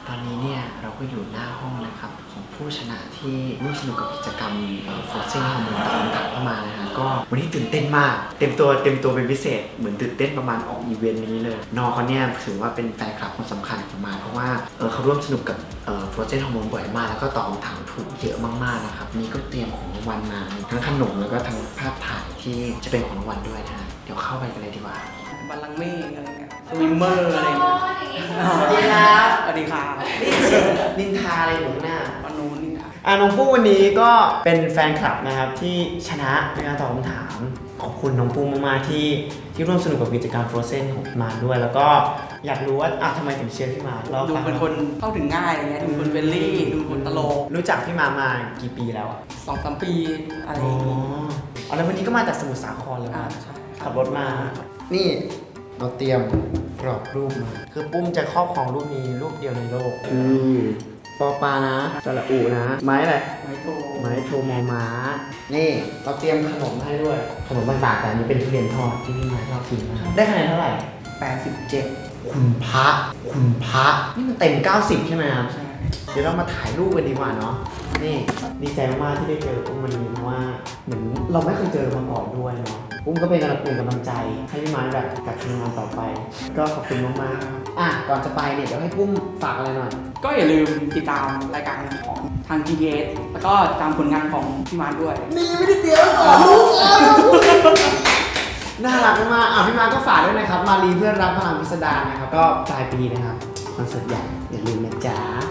ตอนนี้เนี่ยเราก็อยู่หน้าห้องนะครับของผู้ชนะที่ร่วมสนุกกับกิจกรรมโฟร์เซนฮอร์โมนตามคำถามเข้ามานะฮะก็วันนี้ตื่นเต้นมากเต็มตัวเป็นพิเศษเหมือนตื่นเต้นประมาณออกอีเวนต์นี้เลยน้องเขาเนี่ยถือว่าเป็นแฟนคลับคนสำคัญของมาเพราะว่าเขาร่วมสนุกกับโฟร์เซนฮอร์โมนบ่อยมากแล้วก็ตอบคำถามถูกเยอะมากๆนะครับนี่ก็เตรียมของรางวัลมาทั้งขนมแล้วก็ทั้งภาพถ่ายที่จะเป็นของรางวัลด้วยนะเดี๋ยวเข้าไปกันเลยดีกว่าบัลลังก์เมฆอะไรเงี้ยสวิมเมอร์อะไรเงี้ยสวัสดีครับสวัสดีครับนินทาอะไรอยู่หน้าปนูนนี่นะน้องปุ้มวันนี้ก็เป็นแฟนคลับนะครับที่ชนะในการตอบคำถามขอบคุณน้องปุ้มมากๆที่ร่วมสนุกกับกิจกรรม Frozen ของมาด้วยแล้วก็อยากรู้ว่าทำไมถึงเชียร์พี่มาดูเป็นคนเข้าถึงง่ายอะไรเงี้ยดูเป็นเฟรนลี่ดูเป็นตลกรู้จักพี่มากี่ปีแล้ว 2-3 ปีอะไรแล้ววันนี้ก็มาจากสมุทรสาครเลยขับรถมานี่เราเตรียมกรอบรูปมาคือปุ้มจะครอบครองรูปนี้รูปเดียวในโลกปอปานะสระอูนะไม้อะไรไม้โทมอม้านี่เราเตรียมขนมให้ด้วยขนมต่างๆแต่อันนี้เป็นทุเรียนทอดที่พี่มาชอบกินมากได้คะแนนเท่าไหร่ 87 คุณพระนี่มันเต็ม90ใช่ไหมครับใช่เดี๋ยวเรามาถ่ายรูปกันดีกว่าเนาะนี่ดีใจมากๆที่ได้เจอปุ้มวันนี้เพราะว่าเหมือนเราไม่เคยเจอมาก่อนด้วยเนาะปุ้มก็เป็นกำลังใจให้พี่มาแบบกับทำงานต่อไปก็ขอบคุณมากๆก่อนจะไปเนี่ยเดี๋ยวให้ปุ้มฝากอะไรหน่อยก็อย่าลืมติดตามรายการของทาง GTS แล้วก็ตามผลงานของพี่มาด้วยนี่ไม่ได้เดียวก่อนลูกน่ารักมากพี่มาก็ฝากด้วยนะครับมารีเพื่อนรักพลังพิสดารนะครับก็ปลายปีนะครับคอนเสิร์ตใหญ่อย่าลืมนะจ๊ะ